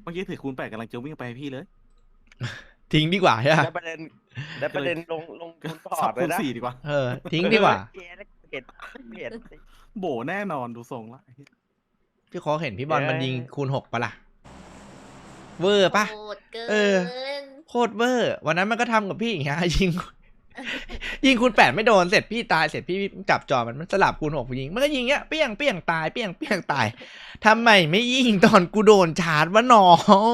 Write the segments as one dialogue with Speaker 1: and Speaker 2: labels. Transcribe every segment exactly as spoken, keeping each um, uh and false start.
Speaker 1: เมื่อกี้ถือคูณแปดกำลังจะวิ่งไปให้พี่เลย
Speaker 2: ทิ้งดีกว่าใช่ไหม
Speaker 3: แล้วประเด็นแล้วประเด็นลงลงทุนพอ
Speaker 1: สั
Speaker 3: ร์
Speaker 1: บ
Speaker 3: ตเล
Speaker 1: คู
Speaker 3: ย
Speaker 1: ณ
Speaker 3: นะ
Speaker 1: สี่ดีกว่า
Speaker 2: เออทิ้งดีกว่า
Speaker 3: เห็นเห็นเห็น
Speaker 1: โบแน่นอนดูทรงละ
Speaker 2: พี่โค้กเห็นพี่บอล
Speaker 3: เย้
Speaker 2: มันยิงคูณหกปะล่ะเวอร์ปะ
Speaker 4: โหดเกิน
Speaker 2: เออ โคตรเวอร์วันนั้นมันก็ทำกับพี่อย่างเงี้ยยิง ยิงคูณแปดไม่โดนเสร็จพี่ตายเสร็จพี่จับจอมันมันสลับคูณหกยิงมันก็ยิงเงี้ยเปี้ยงเปี้ยงตายเปี้ยงเปี้ยงตายทำไมไม่ยิงตอนกูโดนชาร์จวะน้อง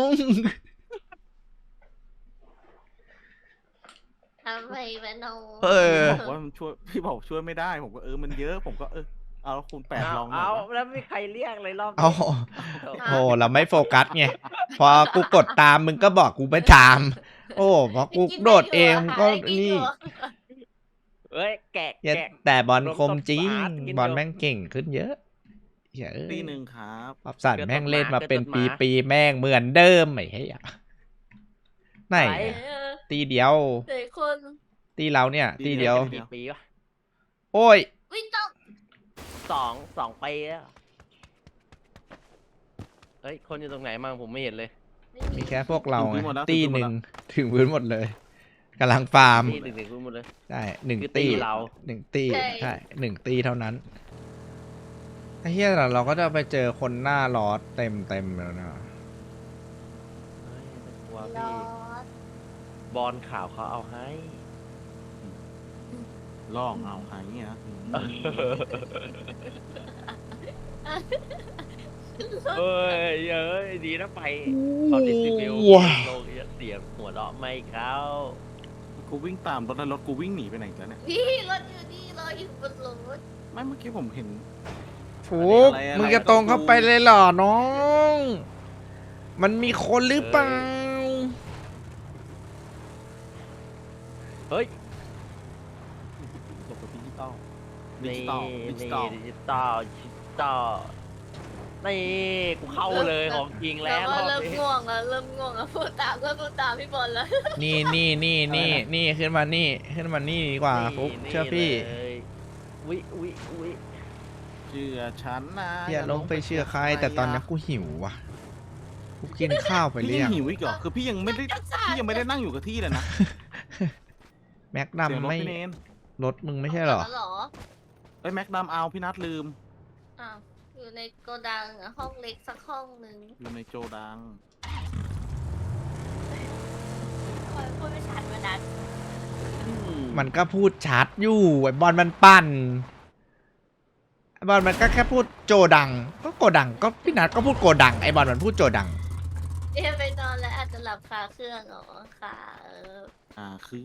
Speaker 4: ทำไมวะน้อง
Speaker 2: เออ
Speaker 1: บอกว่ามันช่วยพี่บอกช่วยไม่ได้ผมก็เออมันเยอะผมก็เออเอาคูณแปด
Speaker 3: เอา
Speaker 1: ลองหน่อ
Speaker 3: เอา
Speaker 1: ยวะ
Speaker 3: แล้วไม่มีใครเรียกเลยรอบนี้
Speaker 2: เอาโอ้เราไม่โฟกัสไงพอกูกดตามมึงก็บอกกูไม่ตาม โอ้พอกูโดดเองก็นี่
Speaker 3: เอ้ยแกะ
Speaker 2: อย่า
Speaker 3: แกะ
Speaker 2: แต่บอลคมจริง
Speaker 3: รวมต้นสะอาดกิน
Speaker 2: บอล
Speaker 3: เยอะ
Speaker 2: แม่งเก่งขึ้นเยอะเฮ้ย
Speaker 1: ตีหนึ่งครับ
Speaker 2: ปรับสัตว์แม่งเล่นมาเป็น
Speaker 3: เกิดต้นหมา
Speaker 2: ปีๆแม่งเหมือนเดิมไอ้เหี้ยไหน
Speaker 3: ไหน
Speaker 4: เออ
Speaker 2: ตีเดียว
Speaker 4: เด็กคน
Speaker 2: ตีเราเนี่ย ตีเดียว
Speaker 3: กี่ปีวะ
Speaker 2: โอ้ย
Speaker 4: วิ่งต้อง
Speaker 3: สองสองปีแล้วเฮ้ยคนอยู่ตรงไหนมั่งผมไม่เห็นเลย
Speaker 2: มีแค่พวกเราไงตีหนึ่งถึงพื้นหมดเลยกำลังฟาร์ม
Speaker 3: ตีหนึ่งหนึ่งพูดหมดเลย
Speaker 2: ใช่หนึ่ง
Speaker 3: คือตี
Speaker 2: ตี
Speaker 3: เรา
Speaker 2: หนึ่งตีใช่หนึ่งตีเท่านั้นไอ้เหี้ยเราก็จะไปเจอคนหน้าล้อเต็มเต็มแล้วนะ
Speaker 3: เฮ้ยกลัว
Speaker 4: ร
Speaker 3: พี่
Speaker 4: อด
Speaker 3: บอลข่าวเขาเอาให้
Speaker 1: ลองเอาหายเงี้ยนะ
Speaker 3: เฮ้ยเอ้ยดีนะไปตอนดิสติบิว
Speaker 2: ว้าว
Speaker 3: โลกเสียงหัวเราะไม่เข้า
Speaker 1: กูวิ่งตามรถแล้วรถกูวิ่งหนีไปไหนแล้วเนี่ย
Speaker 4: พี่รถอยู่นี่รออยู่บนรถ
Speaker 1: ไม่เมื่อกี้ผมเห็น
Speaker 2: ฟูก
Speaker 1: อะไรอะไร
Speaker 2: มึงจะตรงเข้าไปเลยเหรอน้อง มันมีคนหรือเปล่า
Speaker 3: เฮ้ย
Speaker 1: หลบไปดิจิตอลดิ
Speaker 3: นี่
Speaker 1: จิตอลดิจิ
Speaker 3: นี่
Speaker 1: ตอล
Speaker 3: ดิจิตอลดิจิตอลนี่กูเข้าเลยของจริงแล้
Speaker 4: แล้ว วก็
Speaker 3: รอบ
Speaker 4: เริ่ม
Speaker 3: นี้
Speaker 4: ง่วงแล้วเริ่มง่วงแล้วพูดตามก็พูดตามพี่บอลแล้ว
Speaker 2: นี่นี่นี่นี่นี่ขึ้นมานี่ขึ้นมานี่ดีกว่าฟุก
Speaker 3: นี่
Speaker 2: เชื่อพี่
Speaker 3: เลยวิวิวิ
Speaker 1: เชื่อฉันนะ
Speaker 2: อย่าลงไปเชื่อใคร แต่ตอนนี้กูหิวว่ะกูกินข้าวไป
Speaker 1: พี่
Speaker 2: เรี
Speaker 1: ยั
Speaker 2: ย
Speaker 1: ง
Speaker 2: ง
Speaker 1: หิวอีกเหรอคือพี่ยังไม่ได้พี่ยังไม่ได้นั่งอยู่กับที่เลยนะ
Speaker 2: แม็ก
Speaker 1: เสียง
Speaker 2: ดำ
Speaker 1: รถ
Speaker 2: ไม่
Speaker 1: พี่เนน
Speaker 2: รถมึงไม่ใช่เหรอ
Speaker 4: แล้วเหรอ
Speaker 1: ไอ้ยแม็กดำเอาพี่นัทลืม
Speaker 4: อ้าวอยู่ในโกดังอะห้องเล็กสักห้องหนึ่ง
Speaker 1: อยู่ในโจดัง
Speaker 4: คอยพูดไม่ชัดมาดัน
Speaker 3: อื
Speaker 2: มันก็พูดชัดอยู่ไอ้บอลมันปั่นไอ้บอลมันก็แค่พูดโจดัง ก็โกดังก็พี่นัทก็พูดโกดังไอ้บอลมันพูดโจดัง
Speaker 4: เอ๊ะไปนอนแล้วอาจจะหลับคาเครื่องเหรอค่ะเออ
Speaker 1: อ่าคือ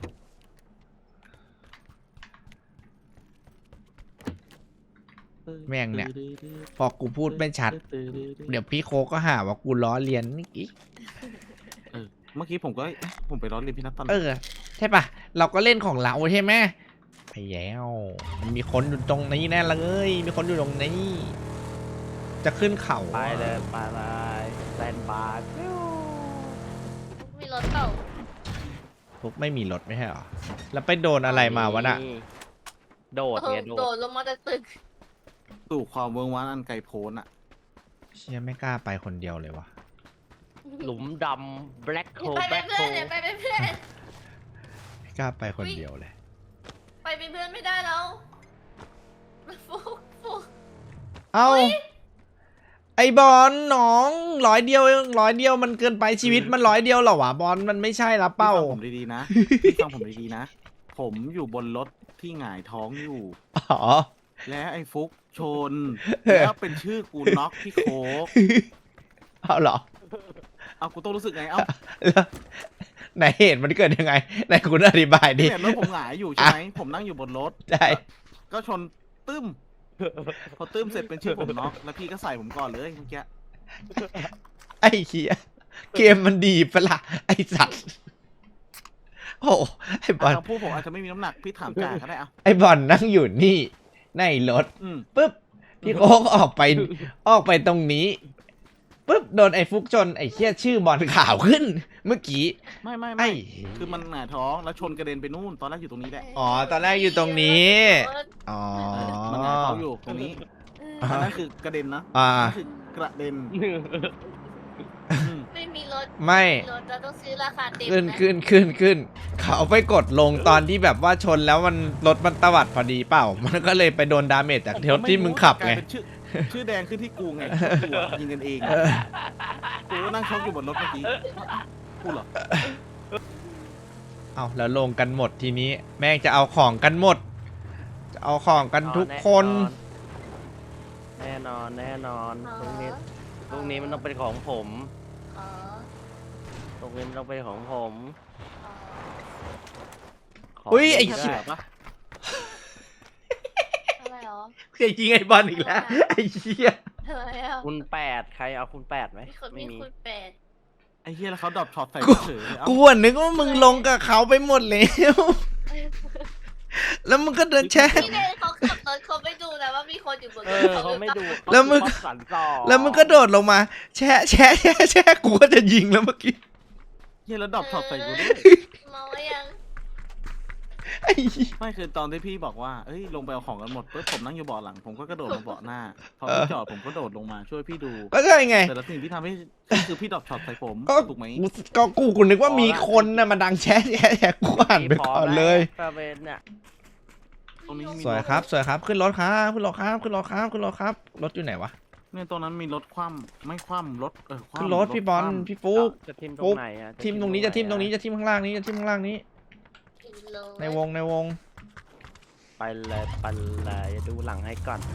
Speaker 2: แม่งเนี่ย พอกูพูดไม่ชัด เดี๋ยวพี่โคกก็หาว่ากูล้อเลียนอีก
Speaker 1: เออเมื่อกี้ผมก็เอ๊ะผมไปร้อนเรียนพี่นัทตอนไหน
Speaker 2: เออใช่ปะเราก็เล่นของเราใช่ไหมไปแล้วมันมีคนอยู่ตรงนี้แน่เลยมีคนอยู่ตรงนี้ จะขึ้นเขา
Speaker 3: ไปเลยไปเลยแซนบาร์
Speaker 4: มีรถเปล่า
Speaker 2: พวกไม่มีรถไม่ใช่หรอแล้วไปโดนอะไรมาวะน่ะ
Speaker 3: โดด
Speaker 4: เอ
Speaker 3: ไง
Speaker 4: อ
Speaker 3: โด
Speaker 4: โด
Speaker 3: ด
Speaker 4: ดลงมาจากตึก
Speaker 1: สู่ความเวิร์งว้างอันไกลโพ้นอ่ะ
Speaker 2: เชี่ยไม่กล้าไปคนเดียวเลยวะ
Speaker 3: หลุมดำแบล็คโฮ
Speaker 4: ไป
Speaker 3: แบ
Speaker 4: เป็
Speaker 3: ล็
Speaker 4: น
Speaker 3: คโฮ
Speaker 4: เพื่อนเนี่ยไปเป็นเพื่อน
Speaker 2: ไม่กล้าไปคนเดียวเลย
Speaker 4: ไปเป็นเพื่อนไม่ได้แล้วฟุกฟุก
Speaker 2: เอ้าไอบอลน้องร้อยเดียวเองร้อยเดียวมันเกินไปชีวิตมันร้อยเดียวเหรอวะบอลมันไม่ใช่ละ
Speaker 1: พี่
Speaker 2: เป้า
Speaker 1: ฟังผมดีๆนะพี่ฟังผมดีๆนะ ผมอยู่บนรถที่หงายท้องอยู่
Speaker 2: อ๋อ
Speaker 1: และไอ้ฟุกชน แล้วเป็นชื่อกูน็อกพี่โคก
Speaker 2: เอาเหรอ
Speaker 1: เอากูต้องรู้สึกไง เอ้า
Speaker 2: แล้วไหนเหตุมันเกิดยังไงไหนคุณอธิบายดิ
Speaker 1: เห็นรถผมหงายอยู่ใช่ไหมผมนั่งอยู่บนรถ
Speaker 2: ใช่
Speaker 1: ก็ชนตึ้ม พอตึ้มเสร็จเป็นชื่อผมน็อกแล้วพี่ก็ใส่ผมก่อนเลยเมื่อกี้
Speaker 2: ไอ้เหี้ยเกมมันดีปะล่ะไอ้สัตว์โอ้ไอ้บอล
Speaker 1: คำพูดผมอาจจะไม่มีน้ำหนักพี่ถามจ่าก็ได้เอา
Speaker 2: ไอ้บอลนั่งอยู่นี่ในรถ
Speaker 1: อืม
Speaker 2: ปุ๊บพี่โค้กออกไปออกไปตรงนี้ปุ๊บโดนไอ้ฟุกชนไอ้เหี้ยชื่อบอลข่าวขึ้น เมื่อกี้
Speaker 1: ไม่ไม่
Speaker 2: ไอ้
Speaker 1: ไม่คือมันหงายท้องแล้วชนกระเด็นไปนู่นตอนแรกอยู่ตรงนี้แหละ
Speaker 2: อ๋อตอนแรกอยู่ตรงนี้อ๋อ
Speaker 1: เออมันหงายท้องอยู่ตรงนี้
Speaker 2: อ่า
Speaker 1: อันนั้นคือกระเด็นนะ
Speaker 2: อ่า
Speaker 1: อันนั้นคือกระเด็นอืม
Speaker 4: รถ
Speaker 2: ไม่
Speaker 4: รถเราต้องซื้อราคาเต็ม
Speaker 2: ขึ้น
Speaker 4: นะ
Speaker 2: ขึ้นขึ้นขึ้นเขาไปกดลงตอนที่แบบว่าชนแล้วมันรถมันตวัดพอดีเปล่า มันก็เลยไปโดนดาเมจจากรถที่มึงขับไง
Speaker 1: กลายเป็นชื่อชื่อแดงขึ้นที่กูไงกูอะยิงกันเอง
Speaker 2: เออ
Speaker 1: กูก็นั่งช็อกอยู่บนรถเมื่อกี้กูเหรอ
Speaker 2: เอาแล้วลงกันหมดทีนี้ แม่งจะเอาของกันหมด จะเอาของกันทุกคน
Speaker 3: แน่นอนแน่นอน
Speaker 4: อ๋อ
Speaker 3: ตรงนี้ตรงนี้มันต้องเป็นของผม
Speaker 4: อ๋อ
Speaker 3: ตรงนี้มันต้องเป็นของผม
Speaker 4: อ๋อ
Speaker 3: ของ
Speaker 2: อุ๊ยไอ้
Speaker 3: ดี
Speaker 2: เหี้
Speaker 3: ด้
Speaker 2: ย
Speaker 3: วย
Speaker 1: ปะ
Speaker 4: อะไรหรอ
Speaker 2: เคยยิงไอ้บอลอีกแล้ว ไอ้เหี้ย
Speaker 4: อะไรอ่ะ
Speaker 3: คุณแปดใครเอาคุณแปดไหม
Speaker 4: มีคน
Speaker 3: ไม่
Speaker 4: มี
Speaker 3: มี
Speaker 4: คุณแปด
Speaker 1: ไอ้เฮียแล้วเขาดรอปช็อตใส่
Speaker 2: กู
Speaker 1: เฉยเลยเอ้า
Speaker 2: กูอะนึกว่ามึงลงกับเขาไปหมดแล้ว แล้วมึงก็เดินแช่
Speaker 4: พี่เดนเขาขับรถเขาไม่ดูนะว่ามีคนอยู่บนร
Speaker 3: เอ
Speaker 4: ถ
Speaker 3: อเขาไม่ดู
Speaker 2: แล้วมึง
Speaker 3: เขาสันต่อ
Speaker 2: แล้วมึงก็โดดลงมา แช่แช่แช่แช่กูก็จะยิงแล้วเมื่อกี้
Speaker 1: เฮียแล้วดรอปช็อตใส่กูด้วย
Speaker 4: เมาไว้ยัง
Speaker 2: ไอ้เหี้ย
Speaker 1: ไม่คือตอนที่พี่บอกว่าเอ้ยลงไปเอาของกันหมดปุ๊บผมนั่งอยู่เบาะหลังผมก็กระโดดมาเบาะหน้าพอพี่จอดผมก็โดดลงมาช่วยพี่ดู
Speaker 2: ก็ใช่ไง
Speaker 1: แต่ละสิ่งที่ทำให้คือพี่ดรอปช็อตใส่ผม
Speaker 2: ก็
Speaker 1: ถูกไหม
Speaker 2: กูก็กูกูนึกว่ามีคนน่ะมาดังแช่แช่แช่กูอ่านไปก่อนเลย
Speaker 3: ตะเวนเนี่ย
Speaker 1: ตรงนี้มี
Speaker 2: สวยครับ สวยครับ ขึ้นรถครับขึ้นรถครับขึ้นรถครับขึ้นรถครับ รถอยู่ไหนวะ
Speaker 1: เนี่ยตรงนั้นมีรถคว่ำไม่คว่ำรถเออคว่ำ
Speaker 2: ขึ้นรถพี่บอล
Speaker 1: คว่ำ
Speaker 2: พี่ฟุ๊ก
Speaker 3: จะทิมตร
Speaker 2: ปุ๊
Speaker 3: ง
Speaker 2: บ
Speaker 3: ไหนอะ
Speaker 2: ทีมตรงนี้จะทีมตรงนี้จะทีมข้างล่างนี้จะทีมข้างล่างนี้
Speaker 4: กินเลย
Speaker 2: ในวงในวง
Speaker 3: ไปเลยไปเลยดูหลังให้ก่อน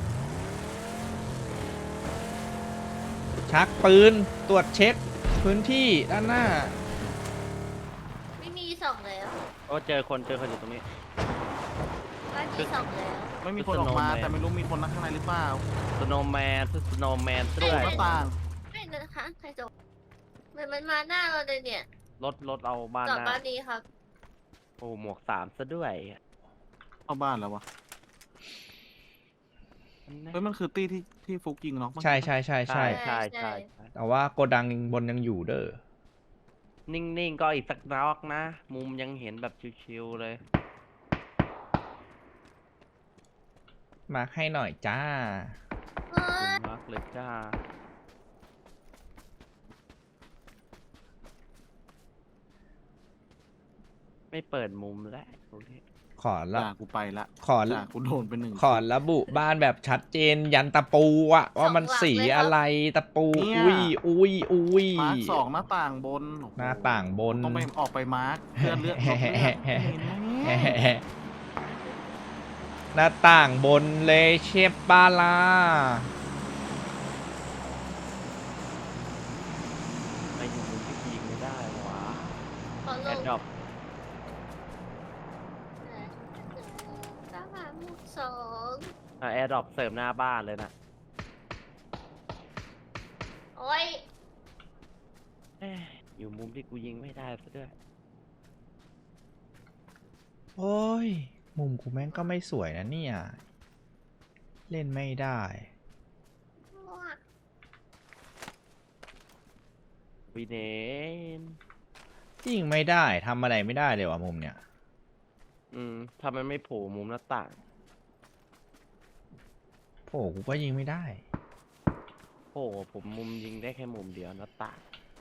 Speaker 2: ชักปืนตรวจเช็ค พื้นที่ด้านหน้า
Speaker 4: ไม่มีสองแล้ว
Speaker 3: โอ้เจอคนเจอคนอยู่ตรงนี้
Speaker 4: บ้านมีสองแล้ว
Speaker 1: ไม่มีคนออกมา
Speaker 3: Snowman
Speaker 1: แต่ไม่รู้มีคนนั่งข้างในหรือเปล่า
Speaker 3: สโนว์แมนสโนว์แมน
Speaker 1: โด
Speaker 3: ด้ว
Speaker 1: ด
Speaker 3: ย
Speaker 1: หน้าต่าง
Speaker 4: ไม่นะคะใครจะมันมันมาหน้าเราเลยเนี่ย
Speaker 3: รถรถเอาบ้าน
Speaker 4: จอด
Speaker 3: หน้า
Speaker 4: บ้านนี้ครับ
Speaker 3: โอ้หมวกสามซะด้วย
Speaker 1: เข้าบ้านแล้ววะเฮ้ยมันคือตี้ที่ที่ฟุกยิงเนาะ
Speaker 2: ใช่ใช่ใช่ใช่
Speaker 3: ใช่ใช่
Speaker 2: แต่ว่าโกดังบนยังอยู่เด้อ
Speaker 3: นิ่งๆก็อีกสักน็อกนะ มุมยังเห็นแบบชิวๆเลย
Speaker 2: มาร์คให้หน่อยจ้า
Speaker 4: เฮ้ย
Speaker 3: มากเลยจ้า ไม่เปิดมุมแล้วตรงนี้
Speaker 2: ขอละ
Speaker 1: ด่ากูไปละ
Speaker 2: ขอ
Speaker 1: ด่ากูโดนไปหนึ่ง
Speaker 2: ขอระบุบ้านแบบชัดเจนยันตะปูอะว่ามันสีอะไรตะปู อุ้ยอุ้ยอุ้ย
Speaker 1: มาร์คสองหน้าต่างบนโอ้โ
Speaker 2: หน้าต่างบน
Speaker 1: ต้องไปออกไปมาร์คเพื่อเลือกรถเลือกเห็นไหม
Speaker 2: หน้าต่างบนเลยเชฟบาลา
Speaker 3: ไม่อยู่มุมที่ยิงไม่ได้หวะ
Speaker 4: ขอล
Speaker 3: แอด
Speaker 4: ง
Speaker 3: ดอป
Speaker 4: สามหาหมุกสอง
Speaker 3: แอดดอปเสริมหน้าบ้านเลยนะ
Speaker 4: โอ้ย
Speaker 3: เอ้ยอยู่มุมที่กูยิงไม่ได้ซะด้วย
Speaker 2: โอ้ย มุมกูแม่งก็ไม่สวยนะเนี่ย เล่นไม่ได้
Speaker 3: วีเนน
Speaker 2: ยิงไม่ได้ทำอะไรไม่ได้เลยว่ะมุมเนี่ย
Speaker 3: อืมถ้ามันไม่โผล่มุมหน้าต่าง
Speaker 2: โอ้กูก็ยิงไม่ได้
Speaker 3: โอ้ผมมุมยิงได้แค่มุมเดียวหน้าต่าง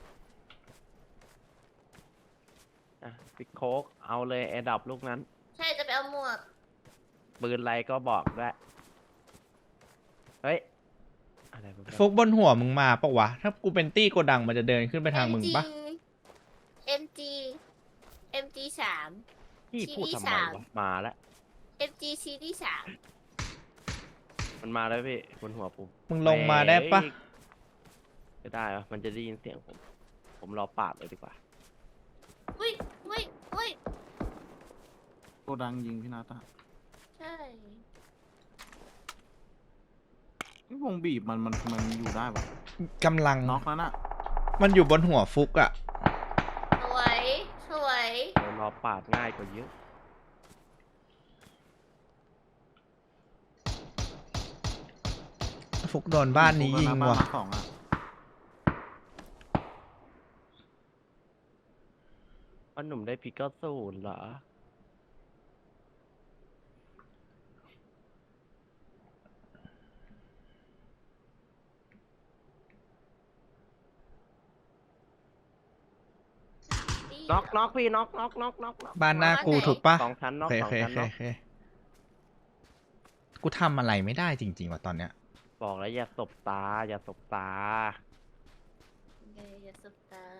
Speaker 3: อ่ะพิกโคกเอาเลยแอดดอปลูกนั้น
Speaker 4: ใช่จะไปเอาหมวก
Speaker 3: ปืนอะไรก็บอกด้วยเฮ้ย อะไรวะ
Speaker 2: ฟุกบนหัวมึงมาปะวะ ถ้ากูเป็นตี้โกดังมันจะเดินขึ้นไปทางมึงปะ
Speaker 4: เอ็มจีเอ็มจีสาม
Speaker 3: พี่พูดทำไม
Speaker 4: สาม
Speaker 3: วะมาแล้ว
Speaker 4: เอ็มจีซีที่สาม
Speaker 3: มันมาแล้วพี่บนหัวผม
Speaker 2: มึงลงมาได้ปะ
Speaker 3: จะได้เหรอมันจะได้ยินเสียงผม ผมรอปาดเลยดีกว่า
Speaker 4: อุ้ยอุ้ยอุ้ย
Speaker 1: โกดังยิงพี่นาตา
Speaker 4: ใช่
Speaker 1: นี่วงบีบมันมันมันอยู่ได้ปะ
Speaker 2: กำลัง
Speaker 1: น็อกแล้วน่ะ
Speaker 2: มันอยู่บนหัวฟุกอะ
Speaker 4: สวยสวย
Speaker 3: เดี๋ยวรอปาดง่ายกว่าเยอะ
Speaker 2: ฟุกโดนบ้านนี้ยิง
Speaker 1: บ้าน
Speaker 2: ว่ะ
Speaker 1: มาร์คสองอ่ะ
Speaker 3: ว่าหนุ่มได้พิกเกอร์ศูนย์เหรอน็อกน็อกพี่น็อกน็อกน็อกน็อกน็อก
Speaker 2: บ้านหน้ากูถูกปะ
Speaker 3: สองชั้นน็
Speaker 2: โอ
Speaker 3: อก
Speaker 2: เค
Speaker 3: สอ
Speaker 2: โอง เค
Speaker 3: ชั้น
Speaker 2: โอเค
Speaker 3: น็อก
Speaker 2: โอเคกูทำอะไรไม่ได้จริงๆว่ะตอนเนี้ย
Speaker 3: บอกแล้วอย่าสบตา อย่าสบตา
Speaker 4: เงยอย่าสบตา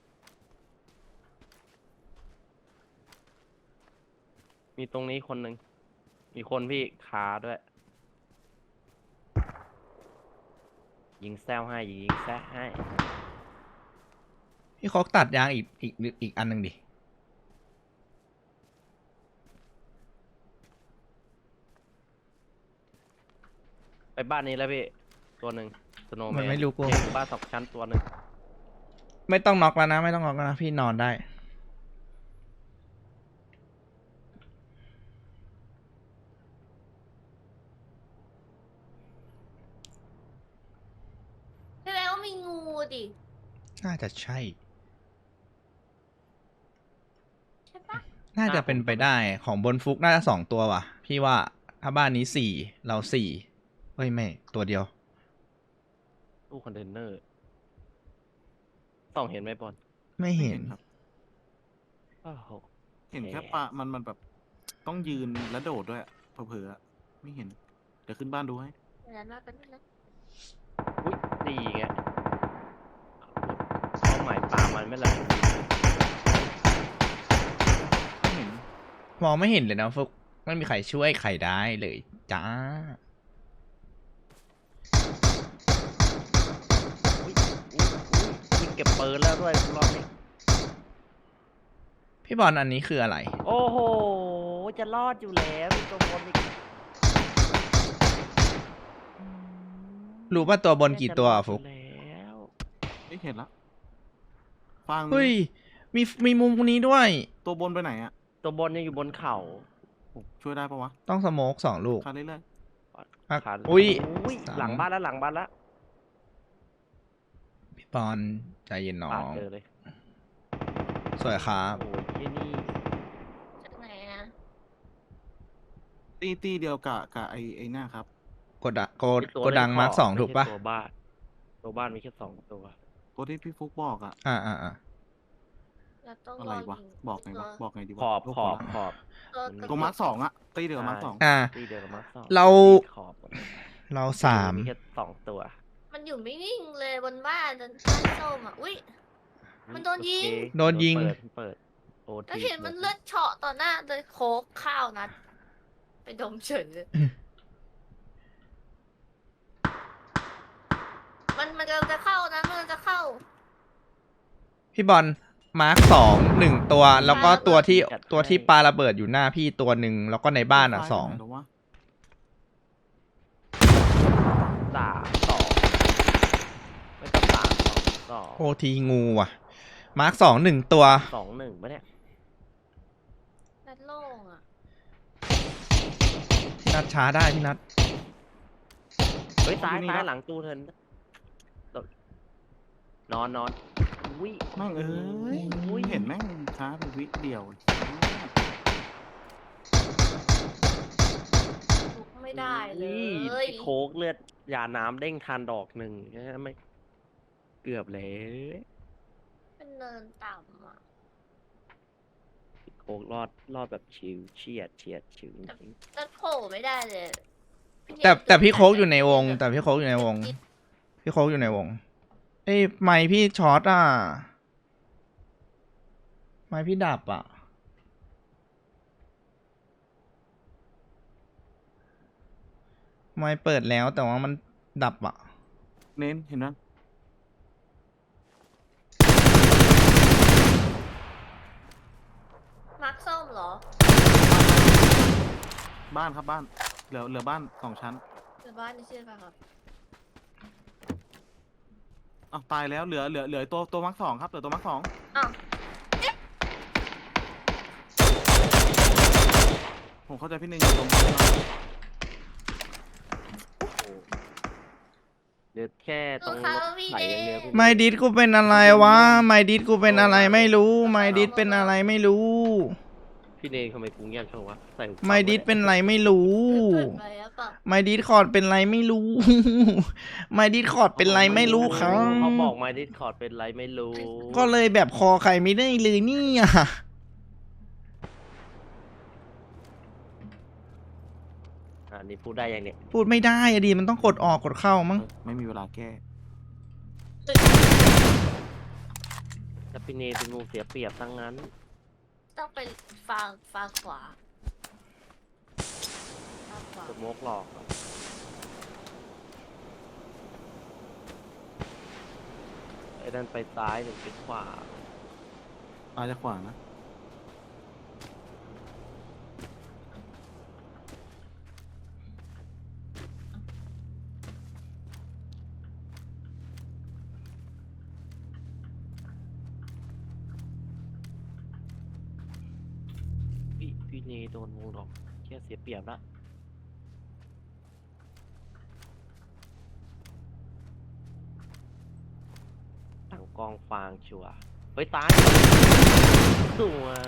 Speaker 3: มีตรงนี้คนหนึ่ง มีคนพี่คาด้วย ยิงแซวให้ยิงแซะให้
Speaker 2: พี่โคกตัดยางอีกอีกอีกอันหนึ่งดิ
Speaker 3: ไปบ้านนี้แล้วพี่ ตัวหนึ่งสโนว์แม
Speaker 2: มัน
Speaker 3: น
Speaker 2: ไม่รู้กู
Speaker 3: บ้านสองชั้นตัวหนึ่ง
Speaker 2: ไม่ต้องน็อกแล้วนะ ไม่ต้องน็อกแล้วนะ พี่นอนได้
Speaker 4: แสดงว่ามีงูดิ
Speaker 2: น่าจะใช่
Speaker 4: ใช่ปะ
Speaker 2: น่าจะเป็นไปได้ของบนฟุกน่าจะสองตัวว่ะ พี่ว่าถ้าบ้านนี้สี่เราสี่เฮ้ยไม่ตัวเดียว
Speaker 3: ตู้คอนเทนเนอร์ต้องเห็นไหมบอล
Speaker 2: ไม่เห็น
Speaker 1: ครับ
Speaker 3: โอ้โห
Speaker 1: เห็นแค่ปะมันมันแบบต้องยืนและโดดด้วยอะเผลอๆอะไม่เห็น เดี๋ยวขึ้นบ้านดูให้
Speaker 4: เดี๋ยวนะเป็นนะ
Speaker 3: อุ้ยดีไงเป้าหมายปลามันไม่ละ
Speaker 1: ไม่เห็น
Speaker 2: มองไม่เห็นเลยนะฟุกไม่มีใครช่วยใครได้เลยจ้า
Speaker 3: อุ้ยอุ้ยอุ้ยยิงเก็บปืนแล้วด้วยรอบนี้
Speaker 2: พี่บอลอันนี้คืออะไร
Speaker 3: โอ้โห จะรอดอยู่แล้วมีตัวบนอีก
Speaker 2: รู้ป่ะตัวบนกี่ตัวอะฟุก
Speaker 3: จะรอดอยู่แล้ว
Speaker 1: ไม่เห็นละฟัง
Speaker 2: เฮ้ยมีมีมุมนี้ด้วย
Speaker 1: ตัวบนไปไหนอ่ะ
Speaker 3: ตัวบนยังอยู่บนเขา
Speaker 1: ช่วยได้ปะวะ
Speaker 2: ต้องสโมกสองลูก
Speaker 1: คาเรื่อย
Speaker 2: อ่ะ
Speaker 3: ขา
Speaker 2: อุ้ย
Speaker 3: อุ้ย
Speaker 2: สาม
Speaker 3: หลังบ้านแล้วหลังบ้านแล้ว
Speaker 2: พี่บอลใจเย็นน้อ
Speaker 3: ปาด
Speaker 2: ง
Speaker 3: เจอเลย
Speaker 2: สวยครับ
Speaker 3: โอ้ยที่นี่
Speaker 4: จากไหนอะ
Speaker 1: ๆตีตีเดียวกับกับไอไอหน้าครับ
Speaker 2: กดดะโกด
Speaker 3: ไอ้ตัว
Speaker 2: โกดัง
Speaker 3: เล่น
Speaker 2: มาร์ค
Speaker 3: ข
Speaker 2: สอง
Speaker 3: ไม่
Speaker 2: ถูก
Speaker 3: ใช่
Speaker 2: ปะ
Speaker 3: ตัวบ้าน ตัวบ้านมีแค่สองตัว
Speaker 1: ตัวที่พี่ฟุกบอกอ่ะ
Speaker 2: อ่าอ่าอ่า
Speaker 4: เราต้อง
Speaker 1: อะ
Speaker 4: ร
Speaker 1: ไร
Speaker 4: อ
Speaker 1: วะ
Speaker 4: ยิง
Speaker 1: บอกไงวะ บอกไงดีวะ
Speaker 3: ขอบ
Speaker 1: โลก
Speaker 3: ขอบ
Speaker 1: ละ
Speaker 3: ขอบ
Speaker 4: ตัว
Speaker 1: ตัวมาร์คสองอ่ะตีเดียวกับมาร์คสอง
Speaker 2: อ่า
Speaker 3: ตีเดียวกับมาร์คสอง
Speaker 2: เรา
Speaker 3: ตีขอบหมด
Speaker 2: เราสาม
Speaker 3: มีแค่สองตัว
Speaker 4: มันอยู่ไม่นิ่งเลยบนบ้านจนบ้านส้มอ่ะ อุ้ย มันโดนยิง
Speaker 3: โอเค
Speaker 2: โดนยิง
Speaker 3: เปิดเปิดโอ
Speaker 4: แล้ว
Speaker 3: ที
Speaker 4: เห็นมันเลือดเฉาะต่อหน้าเลยโคกข้าวนัดไปดมเฉยเลย มันมันกำลังจะเข้านะมันกำลังจะเข้า
Speaker 2: พี่บอลมาร์คสองหนึ่งตัว แล้วก็ตัวที่ตัวที่ปาระเบิดอยู่หน้าพี่ตัวหนึ่งแล้วก็ในบ้านอ่ะสอง
Speaker 1: หรือวะ
Speaker 3: สามสองไม่ต้องสามสองสอง
Speaker 2: โอทีงูว่ะ มาร์คสองหนึ่งตัว
Speaker 3: สองหนึ่งปะเนี่ย
Speaker 4: นัดโล่งอ่ะ
Speaker 2: พี่นัดช้าได้พี่นัด
Speaker 3: เฮ้ยซ้ายซ้ายหลังตู้เทินนอนนอนอุ้ย
Speaker 1: แม่งเอ้ย
Speaker 3: อุ้ย
Speaker 1: เห็นแม่งช้าไปวิเดียว
Speaker 4: ลุกไม่ได้เล
Speaker 3: นี่
Speaker 4: ย
Speaker 3: พี่โคกเลือดยาน้ำเด้งทันดอกหนึ่งใช่ไหมเกือบแล้ว
Speaker 4: เป็นเนินต่ำอ่ะ
Speaker 3: พี่โคกรอดรอดแบบชิวเฉียดเฉียดชิวจริง
Speaker 4: จะโผล่ไม่ได้เลย
Speaker 2: แต่แต่พี่โคกอยู่ในวง แต่พี่โคกอยู่ในวง พี่โคกอยู่ในวง เอ้ยไมค์พี่ช็อตอ่ะ ไมค์พี่ดับอ่ะ ไมค์เปิดแล้วแต่ว่ามันดับอ่ะ
Speaker 1: เน้นเห็นไหม
Speaker 4: มาร์คส้มเหรอ
Speaker 1: บ้านครับบ้าน เหลือเหลือบ้านสองชั้น
Speaker 4: หรือบ้านนี่ชื่อป่ะครับ
Speaker 1: อ้าวตายแล้วเหลือเหลือเหลือตัวตัวมาร์คสองครับเหลือตัวมาร์คสอง
Speaker 4: อ้าว
Speaker 1: ผมเข้าใจพี่หนึ่งอยู่ตรงนี้นะ
Speaker 3: ๆเดี๋ยวแค่ตรงรถไหลอย่างเดียวพี่
Speaker 2: ไมค์ดิสกูเป็นอะไรวะ ไมค์ดิสกูเป็นอะไรไม่รู้ ไมค์ดิสเป็นอะไรไม่รู้
Speaker 3: พพี่เนยทำไมกูเงียบจังวะใส่หูฟัง
Speaker 2: ไม่ดิสเป็นไรไม่รู้
Speaker 4: เปิดไปแล้วเปล่า
Speaker 2: ไม่ดิสคอร์ดเป็นไรไม่รู้ ไม่ดิสคอร์ดเป็นไรไม่รู้ครับ
Speaker 3: เขาบอกมาดิสคอร์ดเป็นไรไม่รู้
Speaker 2: ก็เลยแบบคอใครไม่ได้เลยเนี่ย
Speaker 3: อันนี้พูดได้ยังเนี่ย
Speaker 2: พูดไม่ได้อะดีมันต้องกดออกกดเข้ามั้ง
Speaker 1: ไม่มีเวลาแก้
Speaker 3: ถ้าพี่เนยเป็นมุมเสียเปรียบทั้งนั้น
Speaker 4: ต้องไปฟังฟังขวาฟังขวา
Speaker 3: สโมกหลอกอะไอ้นั่นไปซ้ายหนึ่งไปขวา
Speaker 1: อาจจะขวานะ
Speaker 3: พี่พี่เนยโดนวงหลอกแค่เสียเปรียบละหลังกองฟางชัวร์เฮ้ยตายสวย